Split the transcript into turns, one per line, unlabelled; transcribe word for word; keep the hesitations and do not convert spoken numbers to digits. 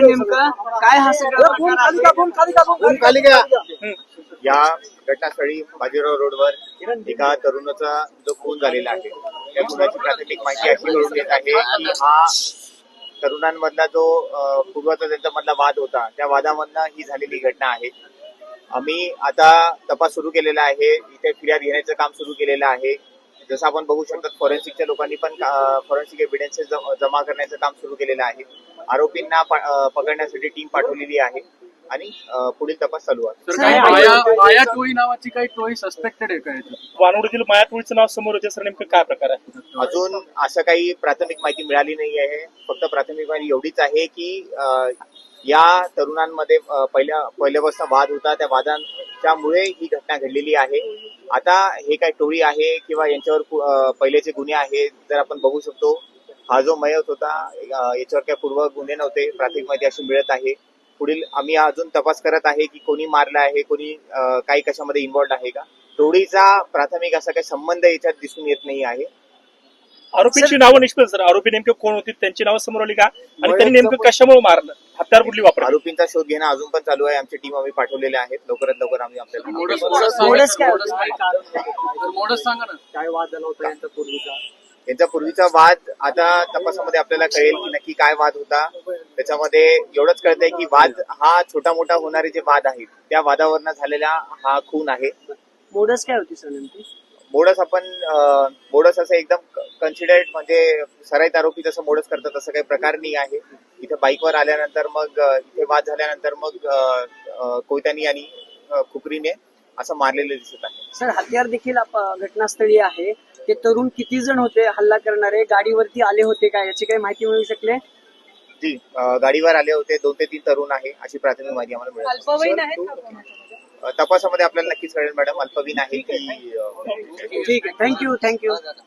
होतं नेमकं काय हा सगळा
खाली घ्या. या घटनास्थळी बाजीराव रोडवर एका तरुणाचा जो खून झालेला आहे त्या खुनाची प्राथमिक माहिती अशी मिळून येत आहे की हा तरुणांमधला जो अं, पूर्वाचा त्यांचा मधला वाद होता त्या वादामधनं ही झालेली घटना आहे. आम्ही आता तपास सुरू केलेला आहे. इथे फिर्याद घेण्याचं काम सुरू केलेलं आहे. जसं आपण बघू शकतो फॉरेन्सिकच्या लोकांनी पण फॉरेन्सिक एव्हिडन्सेस जमा करण्याचं काम सुरू केलेलं आहे. आरोपींना प- अं, पकडण्यासाठी टीम पाठवलेली आहे आणि अं, पुढील तपास चालू आहे.
तर काही माया माया टोळी नावाची काही टोळी सस्पेक्टेड आहे का याच्यात?
वानवडीतील माया टोळीचं नाव समोर येते सर, नेमकं काय प्रकार आहे?
म्हणजे
अजून
असं काही प्राथमिक माहिती मिळाली नाही आहे. फक्त प्राथमिक माहिती एवढीच आहे की अं, या तरुणांमध्ये अं, पहिल्या पहिल्यापासून वाद होता. त्या वादांच्यामुळे ही घटना घडलेली आहे. आता हे काय टोळी आहे किंवा यांच्यावर पु- अं, पहिलेचे गुन्हे आहेत जर आपण बघू शकतो. हा जो मयत होता अं, याच्यावर काही पूर्व गुन्हे नव्हते. प्राथमिक माहिती अशी मिळत आहे. पुढील आम्ही अजून तपास करत आहे की कोणी मारलं आहे, कोणी अं, काही कशामध्ये इन्व्हॉल्ड आहे का. टोळीचा प्राथमिक असा काही संबंध याच्यात दिसून येत नाही आहे.
आरोपींची नावं निष्पन्न सर, आरोपी नेमके कोण होती, त्यांची नावं समोर आली का आणि त्यांनी नेमकं कशामुळे मारलं, हत्यार कुठली वापरली?
आरोपींचा शोध घेणं अजून पण चालू आहे. आमची टीम आम्ही पाठवलेले आहेत. लवकरात लवकर आम्ही आपल्याला
मोडस मोडस
मोडस काय
मोडस काय तर मोडस सांगा ना.
काय वाद झाला होता यांचा पूर्वीचा?
यांचा पूर्वीचा वाद आता तपासामध्ये आपल्याला कळेल की नक्की काय वाद होता. त्याच्यामध्ये एवढंच कळतंय की वाद हा छोटा मोठा होणारे जे वाद आहेत त्या वादावरनं झालेला हा खून आहे.
मोडस काय होती सर नेमकी?
मोडस आपण अं, मोडस असं एकदम कन्सिडर्ड म्हणजे सराईत आरोपी जसं मोडस करतात तसं काही प्रकार नाही आहे. इथे बाईकवर आल्यानंतर मग अं, इथे वाद झाल्यानंतर मग अं, अं, कोयत्यानी आणि अं, खुपरीने असं मारलेलं दिसत आहे.
सर हत्यार देखील आप- घटनास्थळी आहे. ते तरुण किती जण होते हल्ला करणारे, गाडीवरती आले होते का याची काही माहिती मिळू शकले?
जी अं, गाडीवर आले होते. दोन ते तीन तरुण आहे अशी प्राथमिक माहिती आम्हाला मिळाली.
अल्पवयीन आहेत का कोणाच्या?
अं, तपासामध्ये आपल्याला नक्कीच कळेल मॅडम अल्पवयीन आहे की अं,
ठीक आहे, थँक्यू थँक्यू.